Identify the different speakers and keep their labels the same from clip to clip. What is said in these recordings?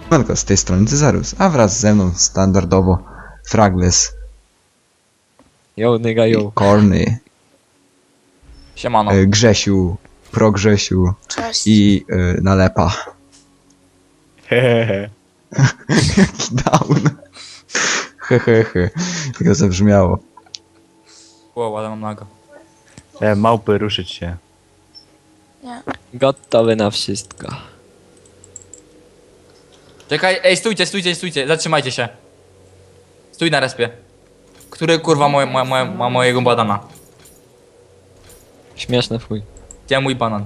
Speaker 1: Siemanko, z tej strony Cezarus, a wraz ze mną standardowo Fragless,
Speaker 2: Yo, nigga, yo.
Speaker 1: Korny,
Speaker 3: Siemano.
Speaker 1: Grzesiu, Progrzesiu
Speaker 4: Cześć.
Speaker 1: i Nalepa.
Speaker 2: Hehehe.
Speaker 1: Jaki down. Hehehe, tylko zabrzmiało.
Speaker 3: Wow, ale mam nago.
Speaker 5: Małpy, ruszyć się.
Speaker 4: Nie.
Speaker 2: Gotowy na wszystko.
Speaker 3: Czekaj, ej, stójcie, zatrzymajcie się. Stój na respie. Który kurwa ma mojego banana?
Speaker 2: Śmieszny fuj.
Speaker 3: Gdzie mój banan?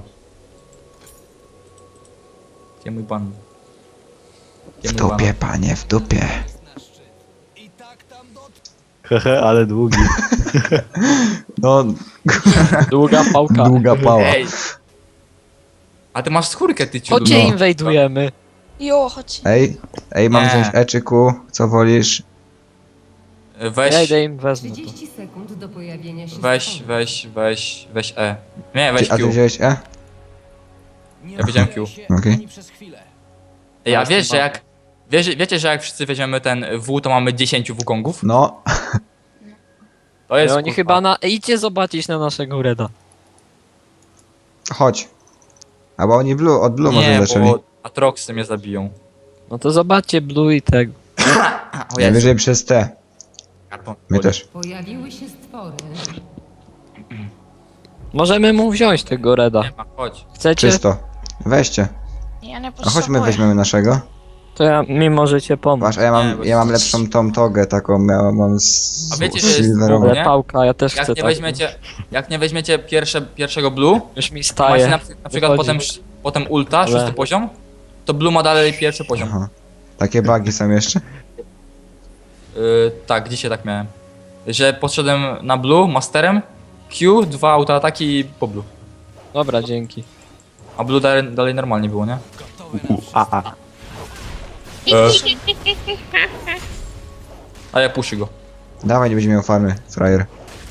Speaker 3: Gdzie mój banan? Gdzie
Speaker 1: W
Speaker 3: mój
Speaker 1: dupie, panie, w dupie.
Speaker 5: Hehe, ale długi.
Speaker 1: No,
Speaker 2: Długa pałka.
Speaker 1: długa pała.
Speaker 3: Ej! A ty masz skórkę, ty ciudu.
Speaker 2: Chodźcie
Speaker 1: No.
Speaker 2: inwajdujemy.
Speaker 4: Jo, chodź.
Speaker 1: Ej, mam
Speaker 3: Nie.
Speaker 1: wziąć E czy Q, co wolisz?
Speaker 3: Weź,
Speaker 2: Ja idę im wezmę to.
Speaker 6: 30 sekund do pojawienia się
Speaker 3: weź E. Nie, weź
Speaker 1: A ty
Speaker 3: Q.
Speaker 1: wziąłeś E?
Speaker 3: Ja wiedziałem Q.
Speaker 1: Okej.
Speaker 3: Ej, a wiesz, że jak... Wiecie, że jak wszyscy weźmiemy ten W, to mamy 10 Wukongów?
Speaker 1: No,
Speaker 3: To jest
Speaker 2: No oni
Speaker 3: kurwa.
Speaker 2: chyba na... Idźcie zobaczyć na naszego Reda.
Speaker 1: chodź. Albo oni od Blue może
Speaker 3: Nie,
Speaker 1: zaczęli.
Speaker 3: bo Atroxy mnie zabiją.
Speaker 2: No to zobaczcie Blue i tego.
Speaker 3: O Jezu.
Speaker 1: Najwyżej przez T.
Speaker 3: Karton.
Speaker 1: My też.
Speaker 6: Pojawiły się stwory.
Speaker 2: Możemy mu wziąć tego Reda.
Speaker 3: Nie ma, chodź.
Speaker 2: Chcecie?
Speaker 1: Czysto. Weźcie.
Speaker 4: Ja nie
Speaker 1: A
Speaker 4: potrzebuję.
Speaker 1: chodźmy weźmiemy naszego.
Speaker 2: To mi możecie pomóc.
Speaker 1: Masz, a
Speaker 3: Nie, bo-
Speaker 1: ja mam lepszą tą togę taką, mam
Speaker 3: A wiecie, że jest
Speaker 1: silverową.
Speaker 2: Ale
Speaker 3: nie?
Speaker 2: pałka, ja też chcę
Speaker 3: Jak nie weźmiecie pierwszego Blue,
Speaker 2: Już mi
Speaker 3: macie
Speaker 2: staje.
Speaker 3: na przykład potem ulta,
Speaker 2: Ale-
Speaker 3: 6 poziom, to Blue ma dalej pierwszy poziom.
Speaker 1: Aha. Takie bugi są jeszcze?
Speaker 3: Tak, dzisiaj tak miałem. Że podszedłem na Blue masterem, Q, 2 autoataki i po Blue.
Speaker 2: Dobra, dzięki.
Speaker 3: A Blue dalej normalnie było, nie? A ja puszy go.
Speaker 1: Dawaj, nie będzie miał farmy, frajer.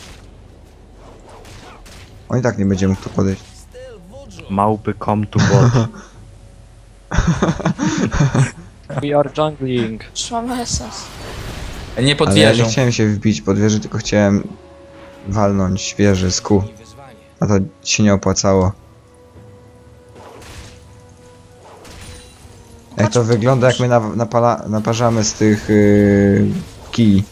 Speaker 1: On i tak nie będzie mógł tu podejść.
Speaker 5: Małpy come to bot.
Speaker 2: We are jungling.
Speaker 4: Już mamy essence.
Speaker 3: Nie pod
Speaker 1: Ale ja nie
Speaker 3: wieżą.
Speaker 1: chciałem się wbić pod wieżę, tylko chciałem walnąć wieżę z Q. A to się nie opłacało. Jak to wygląda, jak my naparzamy z tych kij.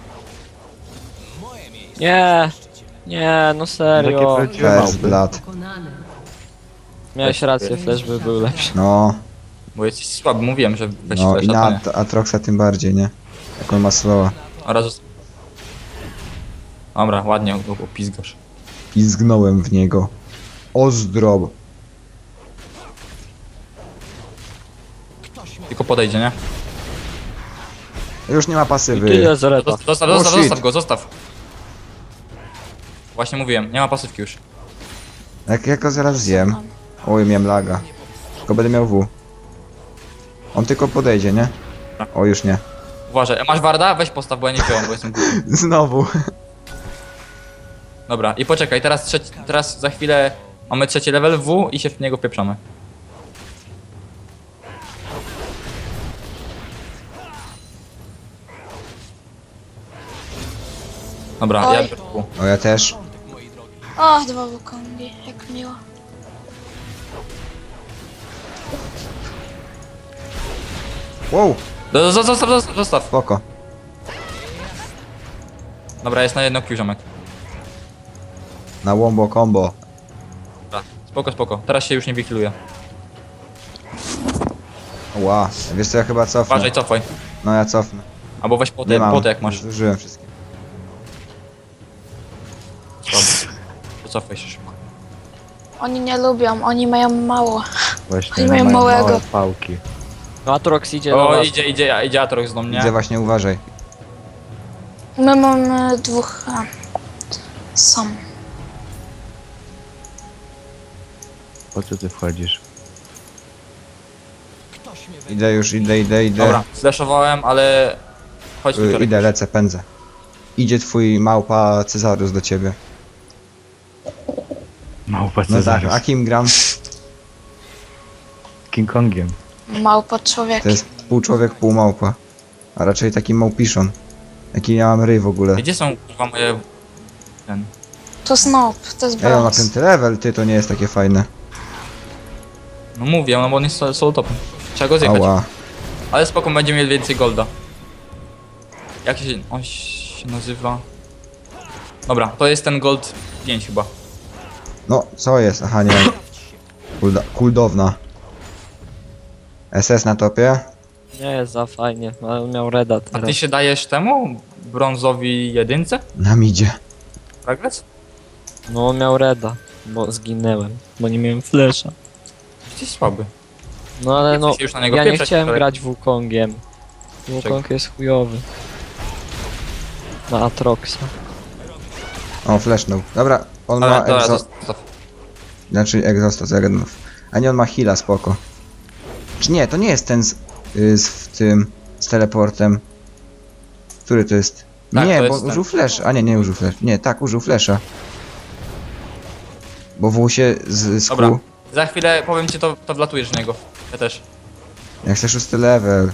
Speaker 2: Nie. Nie, no serio.
Speaker 5: Takie prawdziwe
Speaker 1: First
Speaker 5: małpy.
Speaker 1: blood.
Speaker 6: Pokonane.
Speaker 2: Miałeś rację, Flash by był lepszy.
Speaker 1: No,
Speaker 3: Bo jesteś słaby, mówiłem, że weź
Speaker 1: no
Speaker 3: flasha,
Speaker 1: i
Speaker 3: to
Speaker 1: na
Speaker 3: nie.
Speaker 1: Atroxa tym bardziej, nie? Jak on ma slowa.
Speaker 3: Oraz... Dobra, ładnie go opizgasz.
Speaker 1: I zgnąłem w niego. Ozdrob.
Speaker 3: Tylko podejdzie, nie?
Speaker 1: Już nie ma
Speaker 2: I
Speaker 1: pasywy.
Speaker 2: tyle z Reda.
Speaker 3: Zostaw go, zostaw. Właśnie mówiłem, nie ma pasywki już.
Speaker 1: Jak go zaraz zjem. Oj, miałem laga. Tylko będę miał W. On tylko podejdzie, nie? O, już nie.
Speaker 3: Uważaj, a masz warda? Weź postaw, bo ja nie wziąłem, bo jestem głupi.
Speaker 1: Znowu.
Speaker 3: Dobra, i poczekaj, teraz za chwilę mamy trzeci level W i się w niego wpieprzamy. Dobra,
Speaker 4: Oj.
Speaker 3: ja biorę W.
Speaker 1: O, ja też.
Speaker 4: O, 2 Wukongi, jak miło.
Speaker 1: Wow,
Speaker 3: Zostaw.
Speaker 1: spoko.
Speaker 3: Dobra, jest na jedno Q, ziomek.
Speaker 1: Na wombo combo.
Speaker 3: Dobra, spoko. Teraz się już nie wykiluje.
Speaker 1: Ła, wiesz co, ja chyba cofnę.
Speaker 3: Uważaj, cofaj.
Speaker 1: No ja cofnę.
Speaker 3: Albo weź
Speaker 1: Nie
Speaker 3: potę,
Speaker 1: mam.
Speaker 3: potę jak masz.
Speaker 1: Zużyłem wszystkie.
Speaker 3: Dobra. To cofaj się szybko.
Speaker 4: Oni nie lubią, oni mają mało.
Speaker 5: Właśnie,
Speaker 4: Oni mają
Speaker 5: mają
Speaker 4: małego.
Speaker 5: małe pałki.
Speaker 2: No Atrox idzie do
Speaker 3: O,
Speaker 2: was.
Speaker 3: idzie Atrox do mnie.
Speaker 1: Widzę właśnie, uważaj.
Speaker 4: My mamy 2... Sam.
Speaker 5: Po co ty wchodzisz?
Speaker 1: Idę już, idę.
Speaker 3: Dobra, flashowałem, ale... Chodź tu, Torek.
Speaker 1: Idę, lecę, pędzę. Idzie twój małpa Cezarus do ciebie.
Speaker 5: Małpa
Speaker 1: No tak,
Speaker 5: Cezarus.
Speaker 1: a kim gram?
Speaker 5: King Kongiem.
Speaker 4: Małpo człowiek.
Speaker 1: To jest pół człowiek, pół małpa. A raczej taki małpiszon. Jaki ja mam ryj w ogóle.
Speaker 3: Gdzie są kurwa moje... Ten...
Speaker 4: To Snob, to jest
Speaker 1: Ej, on ma
Speaker 4: brąz.
Speaker 1: 5 level, ty, to nie jest takie fajne.
Speaker 3: No mówię, no bo on jest solo topem. Trzeba go zjechać.
Speaker 1: Ała.
Speaker 3: Ale spoko, będziemy mieli więcej golda. Jak się... on się nazywa... Dobra, to jest ten gold 5 chyba.
Speaker 1: No, co jest? Aha, nie. Kuldowna. SS na topie?
Speaker 2: Nie jest za fajnie, ale on miał reda
Speaker 3: A
Speaker 2: teraz.
Speaker 3: ty się dajesz temu? Brązowi jedynce?
Speaker 1: Na midzie.
Speaker 3: Progress?
Speaker 2: No on miał reda, bo zginęłem, bo nie miałem flesza.
Speaker 3: Jesteś słaby.
Speaker 2: No ale no,
Speaker 3: Chcesz już na niego
Speaker 2: ja nie
Speaker 3: pieprzeć,
Speaker 2: chciałem
Speaker 3: ale-
Speaker 2: grać Wukongiem. Wukong jest chujowy. Na Atroxa.
Speaker 1: O, flashnął. Dobra, on
Speaker 3: Ale
Speaker 1: ma
Speaker 3: dobra,
Speaker 1: egzo... Znaczy egzostas, Egenów. A nie, on ma heala, spoko. Czy nie, to nie jest ten z teleportem. Który to jest?
Speaker 3: Tak,
Speaker 1: Nie,
Speaker 3: to
Speaker 1: bo
Speaker 3: jest ten.
Speaker 1: użył flash. A nie, nie użył flash. Nie, tak, użył flasha. Bo W się
Speaker 3: Dobra.
Speaker 1: skuł.
Speaker 3: Za chwilę powiem ci, to wlatujesz w niego. Ja też.
Speaker 1: Jak chcę 6 level.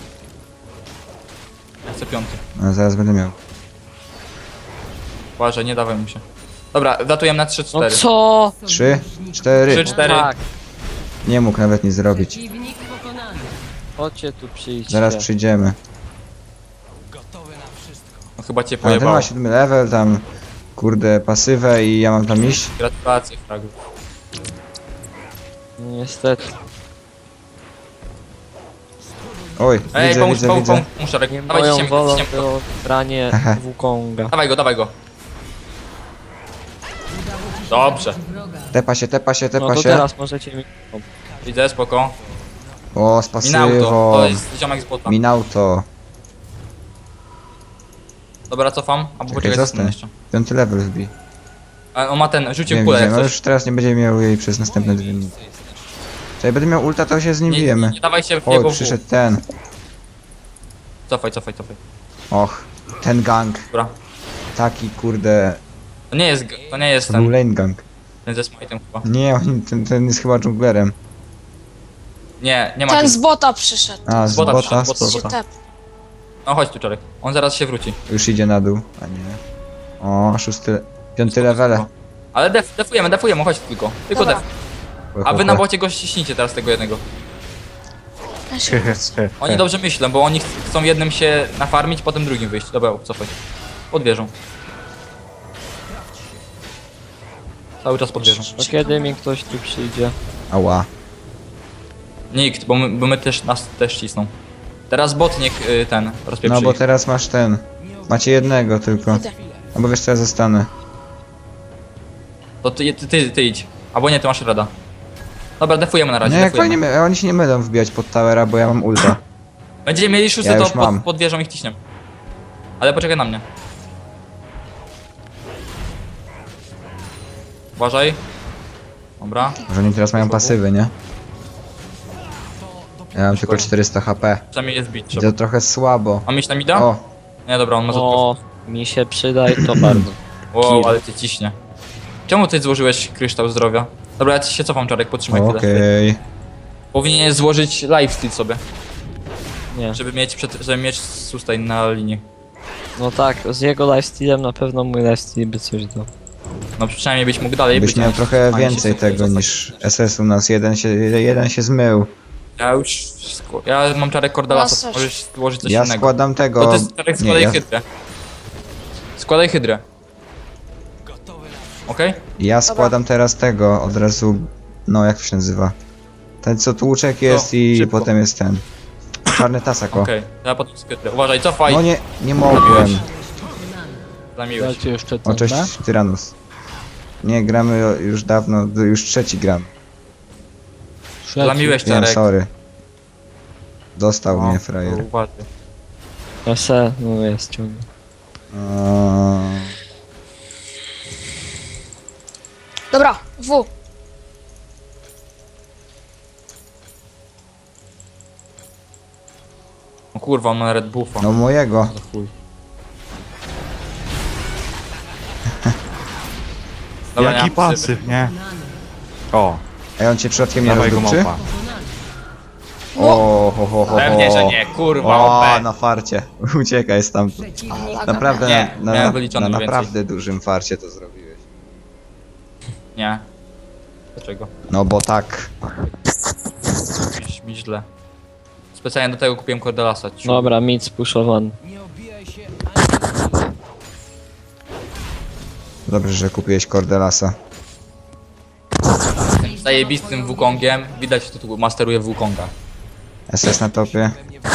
Speaker 3: Ja chcę 5.
Speaker 1: A zaraz będę miał.
Speaker 3: Uważaj, nie dawaj mu się. Dobra, wlatujemy na 3-4.
Speaker 2: No co?
Speaker 1: 3, 4.
Speaker 3: 3, 4.
Speaker 2: Tak,
Speaker 1: Nie mógł nawet nic zrobić.
Speaker 6: Przeciwnik pokonany.
Speaker 2: chodźcie tu przyjdźcie.
Speaker 1: Zaraz przyjdziemy.
Speaker 3: No, chyba cię
Speaker 1: A ten
Speaker 3: pojebało.
Speaker 1: ma 7 level, tam kurde pasywę i ja mam tam iść.
Speaker 3: Gratulacje, Fragu.
Speaker 2: No, niestety.
Speaker 1: Oj,
Speaker 3: Ej,
Speaker 1: widzę,
Speaker 3: pomóż,
Speaker 1: widzę,
Speaker 3: pomóż,
Speaker 1: widzę.
Speaker 3: pomóż, Szarek.
Speaker 2: Nie
Speaker 3: Dawaj,
Speaker 2: moją
Speaker 3: ciśniemy,
Speaker 2: wolą
Speaker 3: ciśniemy.
Speaker 2: było branie
Speaker 1: Aha.
Speaker 2: Wukonga.
Speaker 3: Dawaj go. Dobrze.
Speaker 6: Wroga.
Speaker 1: Tepa się, tepa się,
Speaker 2: No
Speaker 1: tepa
Speaker 2: to
Speaker 1: się.
Speaker 2: teraz możecie mi...
Speaker 3: Widzę, spoko.
Speaker 1: O, z
Speaker 3: Minauto,
Speaker 1: pasywą.
Speaker 3: to jest ziomek z bota.
Speaker 1: Minauto.
Speaker 3: Dobra, cofam. Albo poczekaj,
Speaker 1: zostań.
Speaker 3: zostanę jeszcze.
Speaker 1: 5 level wbij.
Speaker 3: A on ma ten, rzucił
Speaker 1: Wiem,
Speaker 3: kulę
Speaker 1: wiem,
Speaker 3: jak
Speaker 1: ale
Speaker 3: coś.
Speaker 1: już teraz nie będzie miał jej przez następne 2 minuty. Czyli będę miał ulta, to się z nim
Speaker 3: Nie,
Speaker 1: bijemy.
Speaker 3: nie dawaj się w
Speaker 1: O,
Speaker 3: niego w.
Speaker 1: przyszedł ten.
Speaker 3: Cofaj.
Speaker 1: Och, ten gang.
Speaker 3: Dobra.
Speaker 1: Taki kurde.
Speaker 3: To nie jest
Speaker 1: To był
Speaker 3: ten,
Speaker 1: lane gang.
Speaker 3: ten ze smite'em chyba.
Speaker 1: Nie, ten jest chyba dżunglerem.
Speaker 3: Nie ma
Speaker 4: Ten
Speaker 3: tu.
Speaker 4: z bota przyszedł.
Speaker 1: A, z
Speaker 3: Bota
Speaker 1: bota,
Speaker 3: przyszedł,
Speaker 1: z
Speaker 3: bota.
Speaker 4: Się
Speaker 1: bota.
Speaker 4: tep.
Speaker 3: No chodź tu, Czarek. On zaraz się wróci.
Speaker 1: Już idzie na dół, a nie. O, 5 level.
Speaker 3: Ale defujemy, chodź tylko. Tylko
Speaker 4: Dobra.
Speaker 3: def. A wy na bocie go ściśnijcie teraz tego jednego.
Speaker 4: Ja się
Speaker 3: Oni dobrze myślą, bo oni chcą jednym się nafarmić, potem drugim wyjść. Dobra, cofaj. Pod wieżą. Cały czas pod wieżą.
Speaker 2: To kiedy mi ktoś tu przyjdzie?
Speaker 1: Ała.
Speaker 3: Nikt, bo my też, nas też cisną. Teraz bot niech ten rozpieprzy
Speaker 1: No bo
Speaker 3: ich.
Speaker 1: teraz masz ten. Macie jednego tylko.
Speaker 4: idę.
Speaker 1: No bo wiesz co, ja zostanę.
Speaker 3: To ty idź. Albo nie, ty masz rada. Dobra, defujemy na razie,
Speaker 1: Nie, jak
Speaker 3: defujemy.
Speaker 1: fajnie, oni się nie będą wbijać pod towera, bo ja mam ulta.
Speaker 3: Będziecie mieli szósty,
Speaker 1: Ja
Speaker 3: to
Speaker 1: już mam.
Speaker 3: pod wieżą ich ciśniemy. Ale poczekaj na mnie. Uważaj. Dobra.
Speaker 1: Może oni teraz mają pasywy, nie? Ja mam tylko 400 HP.
Speaker 3: Przynajmniej jest bić
Speaker 1: I
Speaker 3: trzeba.
Speaker 1: to trochę słabo.
Speaker 3: Mam iść na mida?
Speaker 1: O,
Speaker 3: Nie, dobra, on może
Speaker 2: O, mi się przyda i to bardzo.
Speaker 3: Wow, ale cię ciśnie. Czemu ty złożyłeś kryształ zdrowia? Dobra, ja ci się cofam, Czarek, potrzymaj chwilę.
Speaker 1: okej.
Speaker 3: Powinieneś złożyć lifesteal sobie,
Speaker 2: Nie.
Speaker 3: żeby mieć sustain na linii.
Speaker 2: No tak, z jego lifestealem na pewno mój lifesteal by coś dał.
Speaker 3: No przynajmniej byś mógł dalej
Speaker 1: Byś
Speaker 3: być.
Speaker 1: miał
Speaker 3: a
Speaker 1: trochę
Speaker 3: fajnie się
Speaker 1: więcej
Speaker 3: sobie
Speaker 1: tego
Speaker 3: zostać.
Speaker 1: niż SS u nas. Jeden się zmył.
Speaker 3: Ja już... Ja mam Czarek Cordalasa,
Speaker 4: Ja też.
Speaker 3: możesz złożyć coś
Speaker 1: Ja
Speaker 3: innego.
Speaker 1: składam tego.
Speaker 3: To ty Czarek
Speaker 1: Nie,
Speaker 3: składaj
Speaker 1: ja,
Speaker 3: hydrę. Składaj hydrę. Okej?
Speaker 1: ja składam teraz tego od razu. No, jak to się nazywa? Ten co tłuczek jest i
Speaker 3: szybko.
Speaker 1: potem jest ten. Czarny tasak, o.
Speaker 3: Okej, ja potem hydrę. Uważaj, cofaj!
Speaker 1: No nie mogłem.
Speaker 3: Zamiłeś.
Speaker 2: Dajcie jeszcze
Speaker 1: O, cześć Tyranus. Nie, gramy już dawno, już trzeci gram.
Speaker 3: Zamiłeś,
Speaker 1: Wiem,
Speaker 3: Czarek.
Speaker 1: sorry. Dostał
Speaker 3: No,
Speaker 1: mnie frajer.
Speaker 3: to uważaj.
Speaker 2: Se, no jest ciągle.
Speaker 4: Dobra, W.
Speaker 3: O kurwa, on ma Red Buffa.
Speaker 1: No mojego.
Speaker 3: Za chuj. Dobra, nie
Speaker 5: Jaki
Speaker 3: mam pasywy.
Speaker 5: pasyw, nie? O,
Speaker 1: Ej, on cię przypadkiem nie
Speaker 5: dawaj go
Speaker 1: rozdupczy?
Speaker 5: małpa.
Speaker 1: O, ho.
Speaker 3: Pewnie, że nie, kurwa,
Speaker 1: O,
Speaker 3: OP.
Speaker 1: na farcie. Uciekaj stamtąd.
Speaker 6: Przeciwnik
Speaker 4: Tak,
Speaker 1: Naprawdę
Speaker 3: Nie, miałem wyliczone
Speaker 1: na
Speaker 3: mniej
Speaker 1: naprawdę dużym farcie to zrobiłeś.
Speaker 3: Nie. Dlaczego?
Speaker 1: No bo tak.
Speaker 3: Zrobisz mi źle. Specjalnie do tego kupiłem Cordelasa. ciu.
Speaker 2: Dobra, mid spuszowany.
Speaker 1: Dobrze, że kupiłeś Cordelasa.
Speaker 3: Zajebistym Wukongiem. Widać, kto tu masteruje Wukonga.
Speaker 1: SS na topie.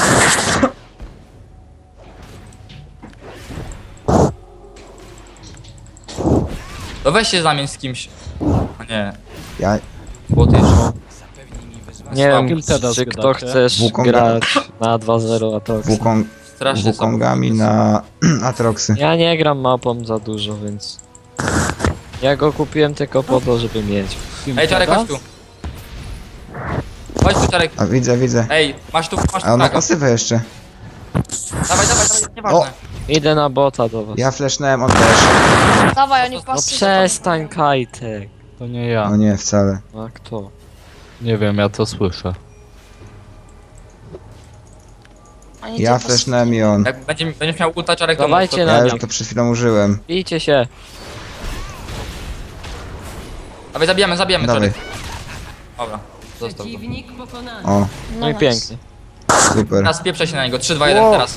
Speaker 3: To weź się zamień z kimś. A nie,
Speaker 1: Ja...
Speaker 3: bo ty jeszcze.
Speaker 2: Nie wiem,
Speaker 7: kim teraz
Speaker 2: czy kto
Speaker 7: gadacie?
Speaker 2: chcesz
Speaker 1: Wukonga.
Speaker 2: grać na 2-0 Atox.
Speaker 3: Strasznie
Speaker 1: Wukongami na Atroxy.
Speaker 2: Ja nie gram mapą za dużo, więc... Ja go kupiłem tylko po to, żeby mieć.
Speaker 3: Ej, Czarek, chodź tu. Chodź tu, Czarek.
Speaker 1: A widzę.
Speaker 3: Ej, masz tu
Speaker 1: A on ma
Speaker 3: fraga.
Speaker 1: pasywę jeszcze.
Speaker 3: Dawaj, nieważne.
Speaker 2: Idę na bota do was.
Speaker 1: Ja flashnąłem, on też.
Speaker 4: Dawaj, oni
Speaker 2: No
Speaker 4: pasy.
Speaker 2: przestań, Kajtek.
Speaker 7: To nie ja.
Speaker 1: No nie, wcale.
Speaker 2: A kto?
Speaker 7: Nie wiem, ja to słyszę.
Speaker 4: Oni
Speaker 1: Ja
Speaker 4: te pasy-
Speaker 1: flashnąłem i on.
Speaker 3: Jak będziesz miał ulta, Czarek, to
Speaker 2: Dawajcie
Speaker 3: to-
Speaker 2: na
Speaker 1: Ja
Speaker 2: mnie.
Speaker 1: już to przed chwilą użyłem.
Speaker 2: Bijcie się.
Speaker 3: Dawaj, zabijamy,
Speaker 1: Dawaj.
Speaker 3: Czarek. Dobra, zostaw go.
Speaker 6: Przeciwnik pokonany.
Speaker 1: O,
Speaker 2: No i
Speaker 4: nice.
Speaker 2: pięknie.
Speaker 1: super.
Speaker 3: Teraz pieprzę się na niego. 3, 2, 1, teraz.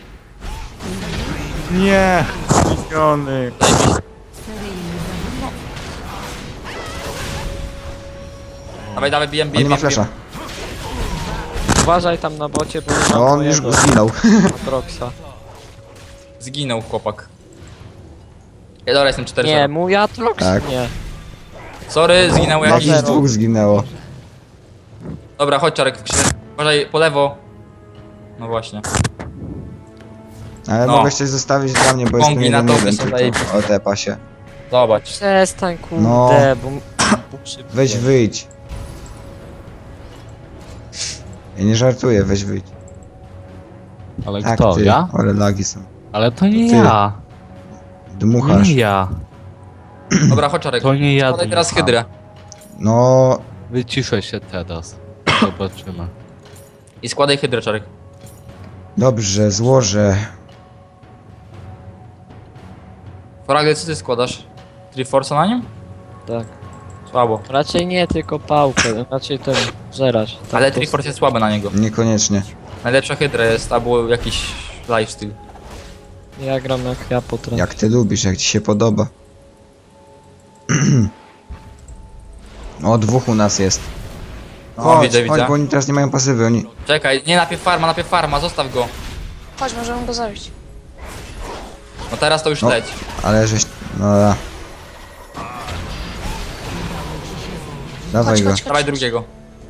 Speaker 5: Nie! Miniony!
Speaker 3: Zajebiście. Dawaj, bijem.
Speaker 1: On nie ma flasha.
Speaker 2: Uważaj tam na bocie, bo nie
Speaker 1: No
Speaker 2: mam
Speaker 1: on już
Speaker 2: mojego
Speaker 1: zginął.
Speaker 2: Atroxa.
Speaker 3: Zginął chłopak. Ja dobra, jestem 4
Speaker 2: Nie, mój Atrox?
Speaker 1: Tak.
Speaker 2: Nie.
Speaker 3: Sorry, zginął
Speaker 1: No
Speaker 3: jakiś.
Speaker 1: i z dwóch zginęło.
Speaker 3: Dobra, chodź, Czarek. Uważaj, po lewo. No właśnie.
Speaker 1: Ale
Speaker 3: No.
Speaker 1: mogę coś zostawić dla mnie, bo jestem
Speaker 3: Kongi na
Speaker 1: jeden
Speaker 3: topie
Speaker 1: jeden
Speaker 3: są
Speaker 1: tylko.
Speaker 3: zajebiste.
Speaker 1: O te pasie.
Speaker 3: Zobacz.
Speaker 2: Przestań, kurde,
Speaker 1: No.
Speaker 2: bo...
Speaker 1: Weź wyjdź. Ja nie żartuję, weź wyjdź.
Speaker 7: Ale
Speaker 1: Tak,
Speaker 7: kto?
Speaker 1: ty.
Speaker 7: Ja?
Speaker 1: Ale lagi są.
Speaker 7: Ale to nie
Speaker 1: Ty.
Speaker 7: ja.
Speaker 1: Dmuchasz.
Speaker 7: Nie ja.
Speaker 3: Dobra, chodź, Czarek.
Speaker 7: To nie ja.
Speaker 3: Podaj teraz
Speaker 7: dmucham.
Speaker 3: hydrę.
Speaker 1: No,
Speaker 7: Wyciszę się teraz. Zobaczymy.
Speaker 3: I składaj hydrę, Czarek.
Speaker 1: dobrze, złożę.
Speaker 3: Fragel, co ty składasz? Triforce na nim?
Speaker 2: Tak.
Speaker 3: Słabo.
Speaker 2: Raczej nie, tylko pałkę, raczej ten żerać. Tak
Speaker 3: Ale
Speaker 2: to-
Speaker 3: Triforce jest słaby na niego.
Speaker 1: Niekoniecznie.
Speaker 3: Najlepsza hydra jest, albo jakiś lifestyle.
Speaker 2: Ja gram jak ja potrafię.
Speaker 1: Jak ty lubisz, jak ci się podoba. O, dwóch u nas jest.
Speaker 3: No,
Speaker 1: Chodź,
Speaker 3: widzę,
Speaker 1: chodź,
Speaker 3: widzę.
Speaker 1: bo oni teraz nie mają pasywy, oni...
Speaker 3: Czekaj, nie, najpierw farma, zostaw go.
Speaker 4: Chodź, możemy go zabić.
Speaker 3: No teraz to już
Speaker 1: No.
Speaker 3: leć.
Speaker 1: Ale żeś... No da. Dawaj
Speaker 4: Chodź,
Speaker 1: go.
Speaker 4: chodź, chodź.
Speaker 3: Dawaj drugiego.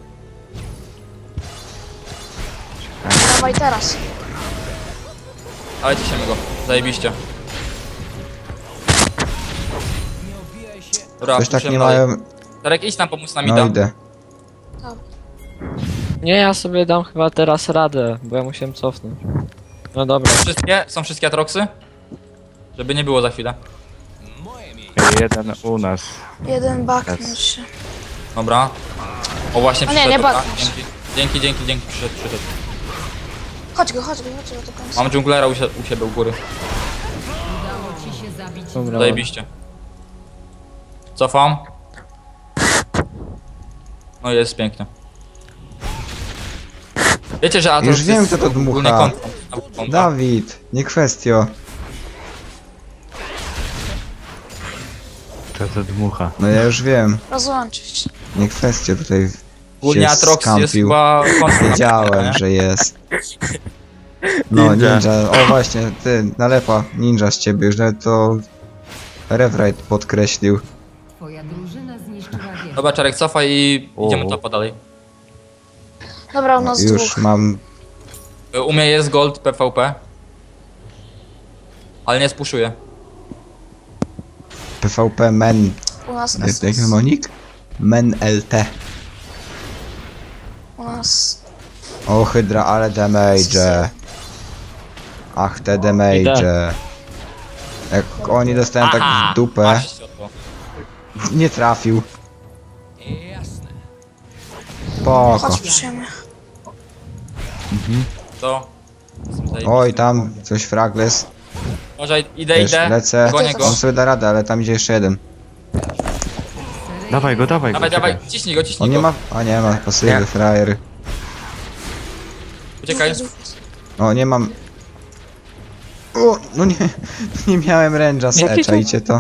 Speaker 4: Dawaj teraz.
Speaker 3: Dawaj ciśniemy go. Zajebiście. Dobra,
Speaker 1: Coś tak
Speaker 3: puszujemy
Speaker 1: nie
Speaker 3: dalej.
Speaker 1: mają...
Speaker 3: Czarek, idź tam pomóc nam
Speaker 1: No
Speaker 3: Mida.
Speaker 1: idę.
Speaker 2: Nie, ja sobie dam chyba teraz radę, bo ja musiałem cofnąć. No dobra.
Speaker 3: Są wszystkie Atroxy? Żeby nie było za chwilę.
Speaker 5: Jeden u nas.
Speaker 4: Jeden baknął się.
Speaker 3: Dobra. O właśnie
Speaker 4: O nie,
Speaker 3: przyszedł.
Speaker 4: nie
Speaker 3: dobra.
Speaker 4: bawię się.
Speaker 3: Dzięki, przyszedł.
Speaker 4: Chodź go do końca.
Speaker 3: Mam dżunglera u siebie u góry.
Speaker 6: Udało ci się zabić.
Speaker 2: Dobra.
Speaker 3: Zajebiście. Cofam. No i jest pięknie. Wiecie, że Atrox
Speaker 1: Już wiem,
Speaker 3: jest
Speaker 1: kto to dmucha.
Speaker 3: ogólnie kontrą.
Speaker 1: Dawid, nie kwestio.
Speaker 5: To dmucha.
Speaker 1: No ja już wiem.
Speaker 4: Rozłączyć.
Speaker 1: Nie kwestio tutaj
Speaker 3: Ogólnie
Speaker 1: się
Speaker 3: Atrox jest
Speaker 1: skampił.
Speaker 3: chyba kontrą.
Speaker 1: Wiedziałem, że jest. No, ninja. O właśnie, ty, nalepa. Ninja z ciebie, już nawet to... Rewrite podkreślił.
Speaker 6: Twoja drużyna zniszczyła wieżę.
Speaker 3: Dobra, Czarek, cofaj i idziemy
Speaker 5: O.
Speaker 3: topa dalej.
Speaker 4: Dobra, u
Speaker 1: No,
Speaker 4: nas
Speaker 1: już
Speaker 4: dwóch.
Speaker 1: mam...
Speaker 3: U mnie jest gold PvP. Ale nie spuszuję.
Speaker 1: PvP men...
Speaker 4: U nas
Speaker 1: Jak monik? Men LT.
Speaker 4: U nas...
Speaker 1: O, Hydra, ale damage. Ach, te damage. Jak oni dostają tak w dupę,
Speaker 3: Patrzcie o to.
Speaker 1: nie trafił. Spoko.
Speaker 4: Chodź, przyjemy.
Speaker 3: To. Jestem zajebisty.
Speaker 1: Oj, tam coś fragles.
Speaker 3: Może idę,
Speaker 1: Wiesz,
Speaker 3: idę.
Speaker 1: lecę.
Speaker 3: Gonię go.
Speaker 1: On sobie da radę, ale tam idzie jeszcze jeden.
Speaker 5: Dawaj go,
Speaker 3: Dawaj,
Speaker 5: czekaj.
Speaker 3: dawaj, ciśnij go,
Speaker 1: On
Speaker 3: ciśnij
Speaker 1: nie
Speaker 3: go.
Speaker 1: ma... A nie ma pasywy,
Speaker 5: Nie.
Speaker 1: frajer.
Speaker 3: Uciekaj.
Speaker 1: O, nie mam... O, no nie, nie miałem ręża z
Speaker 2: Jakie to-
Speaker 1: czajcie to.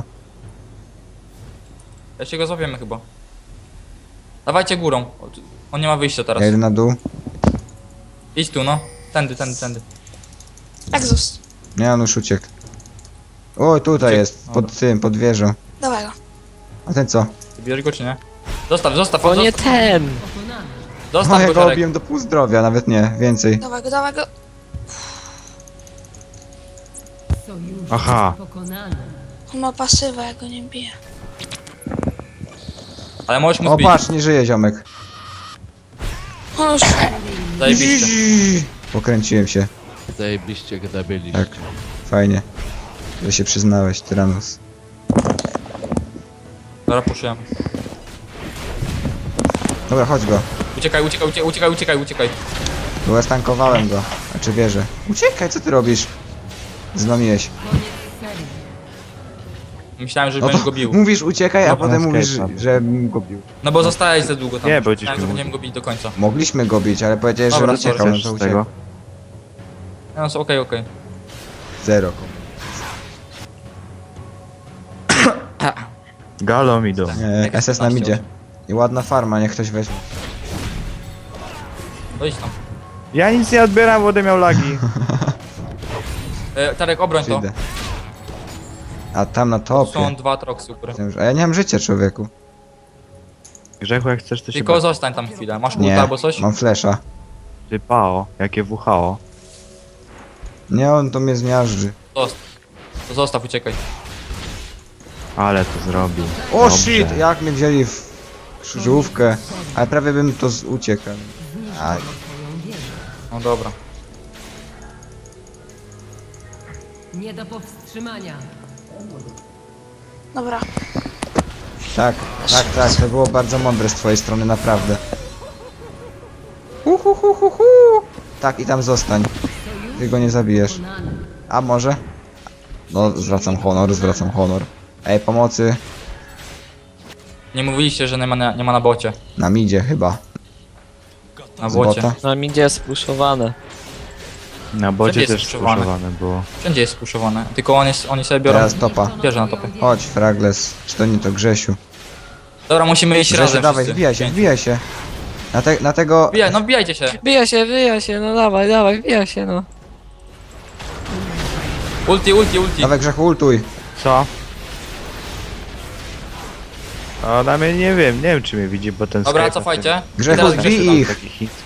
Speaker 3: Jeszcze go złapiemy chyba. Dawajcie górą. On nie ma wyjścia teraz.
Speaker 1: Ja idę na dół.
Speaker 3: Idź tu, no. Tędy, tędy, tędy.
Speaker 4: Exhaust.
Speaker 1: Nie, on już uciekł. O, tutaj
Speaker 3: Uciekł.
Speaker 1: jest, pod tym, pod wieżą.
Speaker 4: Dawaj go.
Speaker 1: A ten co?
Speaker 3: Ty bierzesz go czy nie? Zostaw, zostaw,
Speaker 2: O nie
Speaker 3: zostaw,
Speaker 2: ten!
Speaker 6: Pokonany.
Speaker 1: O,
Speaker 3: zostaw
Speaker 1: ja
Speaker 3: go,
Speaker 1: go
Speaker 3: Żarek.
Speaker 1: obiłem do pół zdrowia, nawet nie, więcej.
Speaker 4: Dawaj go, dawaj go.
Speaker 6: Sojusznik
Speaker 5: Aha.
Speaker 6: pokonany.
Speaker 4: On ma pasywę, ja go nie biję.
Speaker 3: Ale możesz mu
Speaker 1: O,
Speaker 3: zbić.
Speaker 1: patrz, nie żyje ziomek.
Speaker 4: On już...
Speaker 3: Zajebiście.
Speaker 1: Pokręciłem się,
Speaker 7: Zajebiście gdy byliście.
Speaker 1: tak. Fajnie. Że się przyznałeś, Tyranus.
Speaker 3: Dobra, puszujemy.
Speaker 1: Dobra, chodź go.
Speaker 3: Uciekaj, uciekaj, uciekaj, uciekaj, uciekaj, uciekaj.
Speaker 1: Bo ja stankowałem go. Znaczy wieżę. Uciekaj, co ty robisz? Zlomiłeś.
Speaker 6: Koniec serii.
Speaker 3: Myślałem, że
Speaker 1: No
Speaker 3: będziesz
Speaker 1: to
Speaker 3: go bił.
Speaker 1: mówisz uciekaj, a
Speaker 5: No,
Speaker 1: potem
Speaker 5: na
Speaker 1: mówisz,
Speaker 5: Skype'a.
Speaker 1: że go bił.
Speaker 3: No bo zostałeś za długo tam.
Speaker 5: Nie, będziesz
Speaker 3: Myślałem, że
Speaker 5: bił.
Speaker 3: będziemy go bić do końca.
Speaker 1: Mogliśmy go bić, ale powiedziałeś,
Speaker 3: Dobra,
Speaker 1: że uciekał, no
Speaker 5: Chcesz
Speaker 1: to
Speaker 5: z
Speaker 1: uciekł.
Speaker 5: tego?
Speaker 3: No, so, okej, okej.
Speaker 1: Zero.
Speaker 5: Galą idą.
Speaker 1: Nie, SS nam idzie. I ładna farma, niech ktoś weźmie.
Speaker 3: To idź tam.
Speaker 5: Ja nic nie odbieram, bo będę miał lagi.
Speaker 3: Tarek, obroń to.
Speaker 1: Przyjdę. A tam na topie.
Speaker 3: Są dwa troksy u góry.
Speaker 1: A ja nie mam życia, człowieku.
Speaker 5: Grzechu, jak chcesz, to się
Speaker 3: Tylko zostań tam chwilę. Masz ulta
Speaker 1: Nie,
Speaker 3: albo coś?
Speaker 1: mam flesza.
Speaker 5: Ty pao, jakie WHO.
Speaker 1: Nie, on to mnie zmiażdży.
Speaker 3: To zostaw, uciekaj.
Speaker 5: Ale to zrobił.
Speaker 1: O
Speaker 5: Dobrze.
Speaker 1: shit, jak mnie wzięli w krzyżówkę. Ale prawie bym to uciekł. Aj.
Speaker 6: Twoją wieżę.
Speaker 3: No dobra.
Speaker 6: Nie do powstrzymania.
Speaker 4: Dobra.
Speaker 1: Tak, tak, tak, to było bardzo mądre z twojej strony, naprawdę. Hu. Tak, i tam zostań. Ty go nie zabijesz.
Speaker 6: Pokonany.
Speaker 1: A może? No, zwracam honor. Ej, pomocy.
Speaker 3: Nie mówiliście, że nie ma na bocie.
Speaker 1: Na midzie chyba.
Speaker 3: Na
Speaker 1: Z
Speaker 3: bocie.
Speaker 1: bota.
Speaker 2: Na midzie jest spuszowane.
Speaker 5: Na bocie
Speaker 3: Wszędzie jest
Speaker 5: też
Speaker 3: skrzyżowane.
Speaker 5: spuszowane było.
Speaker 3: Wszędzie jest spuszowane. Tylko oni sobie biorą.
Speaker 1: Teraz topa.
Speaker 3: Bierze na topie.
Speaker 1: Chodź, Fragles. Czy to nie to Grzesiu?
Speaker 3: Dobra, musimy iść
Speaker 1: Grzesiu,
Speaker 3: razem
Speaker 1: dawaj,
Speaker 3: wszyscy.
Speaker 1: wbijaj się. Na tego...
Speaker 3: No wbijajcie się.
Speaker 2: Wbija się, no dawaj, wbija się, no.
Speaker 3: Ulti.
Speaker 1: Dawaj, Grzechu, ultuj.
Speaker 5: Co? O, na mnie nie wiem czy mnie widzi, bo ten
Speaker 3: Dobra,
Speaker 5: Skype
Speaker 3: cofajcie.
Speaker 1: Grzechu,
Speaker 3: Teraz
Speaker 1: zbij
Speaker 3: Grzesiu tam.
Speaker 1: ich.
Speaker 5: taki chiński.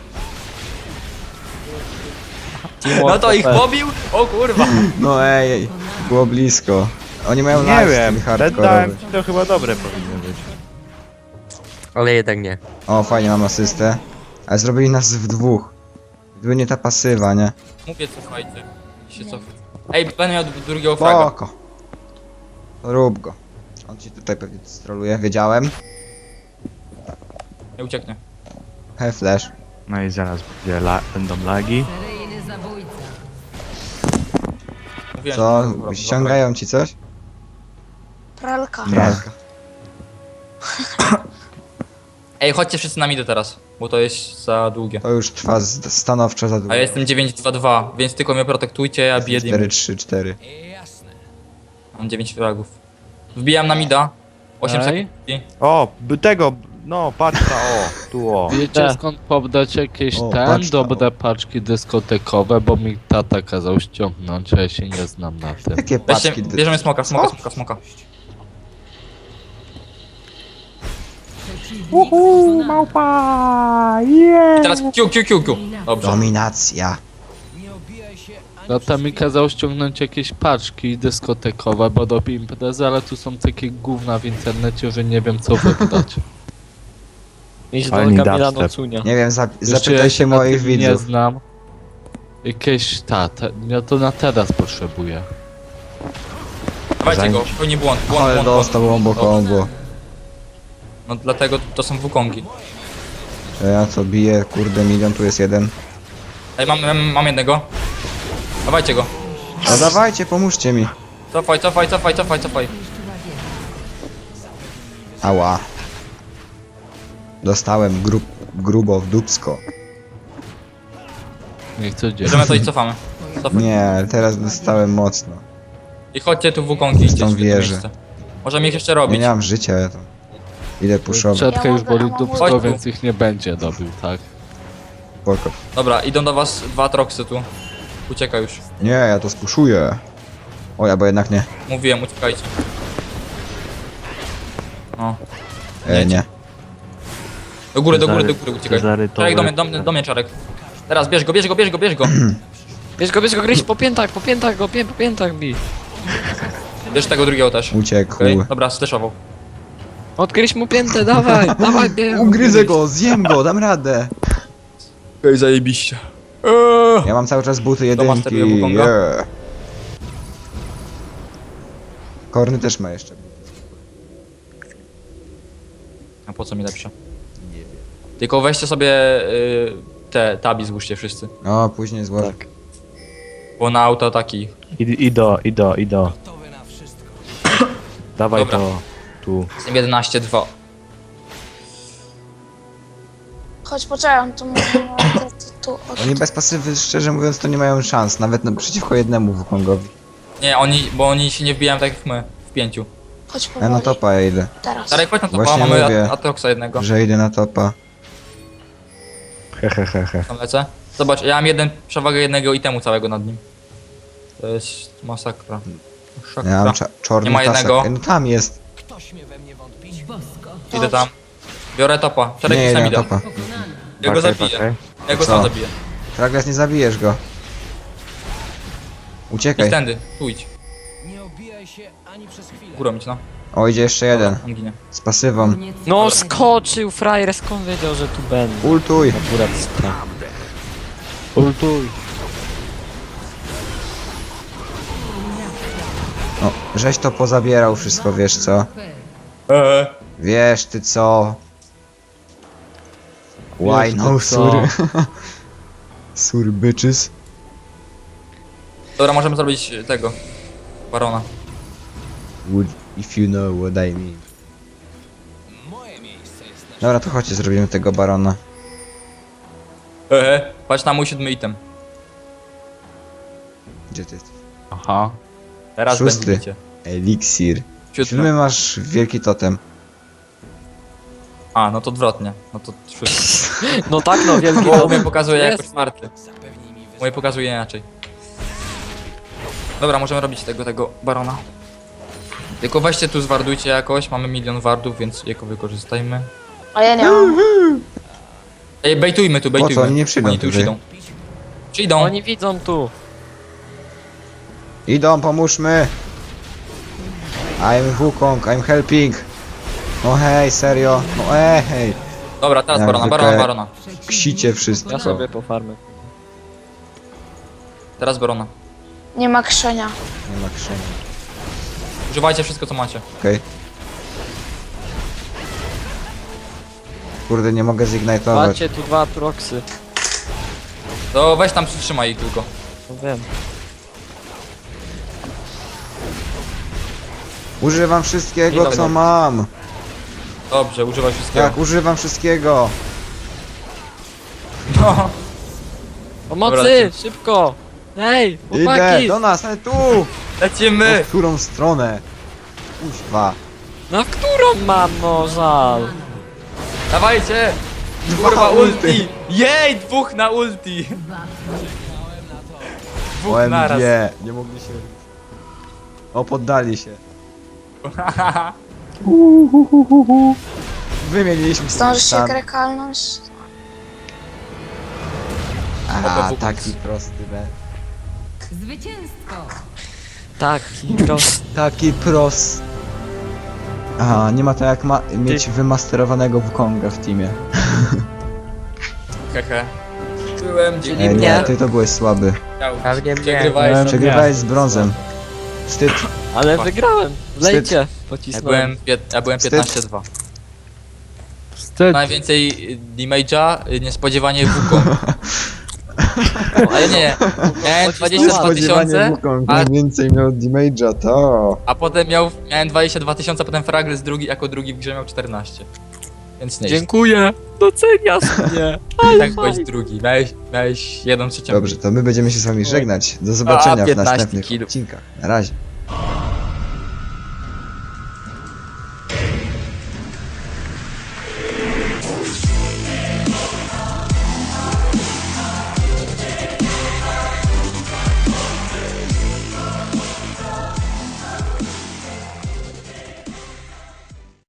Speaker 3: No to ich pobił? O kurwa.
Speaker 1: No ej, było blisko. Oni mają
Speaker 5: Nie
Speaker 1: lifestyle
Speaker 5: wiem,
Speaker 1: hardkorowy.
Speaker 5: dałem ci, to chyba dobre powinno być.
Speaker 8: Ale jednak nie.
Speaker 1: O, fajnie, mam asystę. Ale zrobili nas w dwóch. Gdyby nie ta pasywa, nie?
Speaker 3: Mówię, cofajcie. Się cof. Ej, będę miał drugiego fraga.
Speaker 1: Spoko. Rób go. On ci tutaj pewnie stroluje, wiedziałem.
Speaker 3: Nie ucieknie.
Speaker 1: He, flash.
Speaker 5: No i zaraz będą lagi.
Speaker 6: Seryjny zabójca.
Speaker 3: Mówiłem,
Speaker 1: Co?
Speaker 3: że dobra,
Speaker 1: Ściągają ci coś?
Speaker 4: Pralka.
Speaker 5: Nie.
Speaker 1: Pralka.
Speaker 3: Ej, chodźcie wszyscy na midę teraz, bo to jest za długie.
Speaker 1: To już trwa stanowczo za długo.
Speaker 3: A ja jestem 9-2-2, więc tylko mnie protektujcie, ja biję dymy.
Speaker 1: 4-3-4.
Speaker 3: Mam 9 fragów. Wbijam na mida. 8
Speaker 2: Ej.
Speaker 3: sekund.
Speaker 5: O, tego, no patrz ta, o, tu o.
Speaker 7: Wiecie
Speaker 2: Tak.
Speaker 7: skąd pobrać jakieś
Speaker 1: O, patrz to.
Speaker 7: dobre paczki dyskotekowe, bo mi tata kazał ściągnąć, a ja się nie znam na tym.
Speaker 1: Jakie
Speaker 3: Weźcie,
Speaker 1: paczki?
Speaker 3: bierzemy smoka.
Speaker 6: Przeciwnik pokonany.
Speaker 5: Małpa,
Speaker 3: I teraz Q. Dobrze.
Speaker 1: Dominacja.
Speaker 7: Tata mi kazał ściągnąć jakieś paczki dyskotekowe, bo robi imprezy, ale tu są takie gówna w internecie, że nie wiem co wybrać.
Speaker 2: Idź do
Speaker 5: Fajny
Speaker 2: Kamila
Speaker 5: dubstep.
Speaker 2: Nocunia.
Speaker 1: Nie wiem,
Speaker 7: Jeszcze ja
Speaker 1: zapytaj się
Speaker 7: na
Speaker 1: moich
Speaker 7: tym nie
Speaker 1: widzów.
Speaker 7: znam. Jakieś ja to na teraz potrzebuję.
Speaker 3: Dawajcie go, pełni błąd.
Speaker 1: Ale dostał
Speaker 3: Dobrze.
Speaker 1: combo.
Speaker 3: No dlatego to są wukongi.
Speaker 1: Ja co biję, kurde, milion, tu jest jeden.
Speaker 3: Ej, mam jednego. Dawajcie go.
Speaker 1: No dawajcie, pomóżcie mi.
Speaker 3: Cofaj.
Speaker 1: Ała. Dostałem grubo w dupsko.
Speaker 7: Niech co dzieje.
Speaker 3: Bierzemy to i cofamy. Cofaj.
Speaker 1: Nie, teraz dostałem mocno.
Speaker 3: I chodźcie tu Wukongi, idźcie
Speaker 1: Tą
Speaker 3: w jedno
Speaker 1: wieżę.
Speaker 3: miejsce. Możemy ich jeszcze
Speaker 1: Ja
Speaker 3: robić.
Speaker 1: nie mam życia, ja to... Idę puszować.
Speaker 7: Czetka już boli dupsko,
Speaker 3: Chodź tu.
Speaker 7: więc ich nie będzie dobił, tak?
Speaker 1: Spoko.
Speaker 3: Dobra, idą do was 2 troksy tu. Ucieka już.
Speaker 1: Nie, ja to spuszuję. O, ja bo jednak nie.
Speaker 3: Mówiłem, uciekajcie. No.
Speaker 1: Nie.
Speaker 3: Do góry, uciekaj. Czarek do mnie, Czarek. Teraz bierz go.
Speaker 2: Bierz go, gryź po piętach bij.
Speaker 3: Bierz tego drugiego też.
Speaker 1: Uciekł.
Speaker 3: Okej, dobra, steszował.
Speaker 2: Odgryź mu piętę, dawaj, bierz.
Speaker 1: Ugryzę go, zjem go, dam radę.
Speaker 3: Okej, zajebiście.
Speaker 1: Ja mam cały czas buty
Speaker 3: To
Speaker 1: jedynki.
Speaker 3: masteruje Wukonga?
Speaker 1: Yeah. Korny też ma jeszcze.
Speaker 3: A po co mi lepsze? Nie wiem. Tylko weźcie sobie te tabi złóżcie wszyscy.
Speaker 1: No, później złożę.
Speaker 2: Tak.
Speaker 3: Bo na auto taki.
Speaker 5: Ido. Dawaj
Speaker 3: Dobra.
Speaker 5: to. Tu.
Speaker 3: Jestem 11-2.
Speaker 4: Chodź, poczekaj, on tu mówi, tu.
Speaker 1: Oni bez pasywy, szczerze mówiąc, to nie mają szans. Nawet przeciwko jednemu Wukongowi.
Speaker 3: Nie, bo oni się nie wbijają tak jak my. W 5.
Speaker 4: Chodź
Speaker 1: Ja
Speaker 4: powoli.
Speaker 1: na topa ja idę.
Speaker 4: Teraz.
Speaker 3: Czarek, chodź na topa,
Speaker 1: Właśnie
Speaker 3: mamy
Speaker 1: mówię.
Speaker 3: Atroxa jednego.
Speaker 1: Że idę na topa.
Speaker 5: He.
Speaker 3: Tam lecę. Zobacz, ja mam przewagę jednego itemu całego nad nim. To jest masakra. Masakra.
Speaker 1: Ja mam czarny
Speaker 3: Nie ma jednego.
Speaker 1: tasak. No tam jest.
Speaker 6: Bosko.
Speaker 3: Idę tam. Biorę topa. Czarek
Speaker 1: Nie,
Speaker 3: mi sam
Speaker 1: idę na
Speaker 3: idę.
Speaker 1: topa.
Speaker 6: Pokonany.
Speaker 3: Ja go zabiję. Ja go
Speaker 1: Co?
Speaker 3: sam zabiję.
Speaker 1: Fragles, nie zabijesz go.
Speaker 3: Idź
Speaker 1: Uciekaj.
Speaker 3: tędy, tu idź. Górą idź, no.
Speaker 1: O, idzie jeszcze jeden.
Speaker 3: On ginie.
Speaker 1: Z pasywą.
Speaker 6: Koniec
Speaker 2: No
Speaker 6: serii.
Speaker 2: skoczył frajer, skąd wiedział, że tu będę?
Speaker 1: Ultuj.
Speaker 2: Akurat spra.
Speaker 7: Ultuj.
Speaker 1: No, żeś to pozabierał wszystko, wiesz co? Wiesz ty co? Why
Speaker 7: Wiesz
Speaker 1: no
Speaker 7: ty co?
Speaker 1: sur? Sur bitches.
Speaker 3: Dobra, możemy zrobić tego. Barona.
Speaker 1: Would if you know what I mean. Dobra, to chodźcie, zrobimy tego barona.
Speaker 3: Patrz na mój 7 item.
Speaker 1: Gdzie ty jesteś?
Speaker 7: Aha.
Speaker 3: Teraz
Speaker 1: 6.
Speaker 3: będziecie.
Speaker 1: Eliksir.
Speaker 3: 7.
Speaker 1: 7 masz wielki totem.
Speaker 3: A, no to odwrotnie. No to 6.
Speaker 2: No tak, no wielki
Speaker 3: Bo
Speaker 2: dom.
Speaker 3: mnie pokazuje
Speaker 2: Jest.
Speaker 3: jako 4. Moje pokazuje inaczej. Dobra, możemy robić tego barona. Tylko weźcie tu zwardujcie jakoś, mamy 1 000 000 wardów, więc jako wykorzystajmy.
Speaker 4: A ja nie mam.
Speaker 3: Ej, bejtujmy tu, bejtujmy.
Speaker 1: Oni nie przyjdą
Speaker 3: Oni tu już
Speaker 1: tutaj.
Speaker 3: idą. Przyjdą.
Speaker 2: Oni widzą tu.
Speaker 1: Idą, pomóżmy! I'm Wukong, I'm helping! No hej, serio? No hej!
Speaker 3: Dobra, teraz
Speaker 1: Jak
Speaker 3: barona,
Speaker 1: zwykle.
Speaker 3: barona.
Speaker 1: Ksicie wszystko.
Speaker 2: Ja sobie po farmę.
Speaker 3: Teraz barona.
Speaker 4: Nie ma krzenia.
Speaker 1: Nie ma krzenia.
Speaker 3: Używajcie wszystko co macie.
Speaker 1: Okej. Kurde, nie mogę zignitować.
Speaker 2: Macie tu 2 proxy.
Speaker 3: To weź tam przytrzymaj ich tylko.
Speaker 2: No wiem.
Speaker 1: Używam wszystkiego,
Speaker 3: Idą,
Speaker 1: co
Speaker 3: idą.
Speaker 1: mam!
Speaker 3: Dobrze, używaj wszystkiego.
Speaker 1: Tak, używam wszystkiego!
Speaker 3: No.
Speaker 2: Pomocy,
Speaker 3: Dobra,
Speaker 2: szybko! Hej,
Speaker 1: Idę!
Speaker 2: chłopaki!
Speaker 1: Do nas, ale tu!
Speaker 3: Lecimy!
Speaker 1: W którą stronę? Kuźwa.
Speaker 2: Na którą mam, no żal?
Speaker 3: Dawajcie! Kurwa ulti! Jej! 2 na ulti! 2 naraz.
Speaker 1: OMG, nie mogli się... O, poddali się. Wymieniliśmy
Speaker 4: Zdążysz się
Speaker 1: stan.
Speaker 4: krekalnąć?
Speaker 1: Aha, taki prosty be.
Speaker 6: Zwycięstwo.
Speaker 2: Tak, prost.
Speaker 1: Taki pros. Aha, nie ma to jak mieć wymasterowanego Wukonga w teamie.
Speaker 3: Hehe. Byłem, dzięki
Speaker 1: Nie,
Speaker 2: mnie.
Speaker 1: ty to byłeś słaby.
Speaker 8: Pewnie mnie.
Speaker 3: Przegrywałeś.
Speaker 1: Przegrywałeś z brązem. Wstyd.
Speaker 2: Ale wygrałem. Lejcie.
Speaker 3: Ja
Speaker 2: Pocisnąłem.
Speaker 3: byłem
Speaker 1: Wstyd.
Speaker 3: 15-2.
Speaker 7: Wstyd.
Speaker 3: Najwięcej damage'a niespodziewanie Wukong. Ale nie, miałem 22 tysiące, a,
Speaker 1: więcej miał damage'a, to...
Speaker 3: a potem miałem 22 tysiące, potem Fragrys jako drugi w grze miał 14. Więc nie.
Speaker 2: Dziękuję! Doceniasz mnie!
Speaker 3: Tak byłeś drugi, miałeś 1/3.
Speaker 1: Dobrze, to my będziemy się z wami żegnać. Do zobaczenia w
Speaker 3: 15
Speaker 1: następnych
Speaker 3: killów.
Speaker 1: odcinkach. Na razie.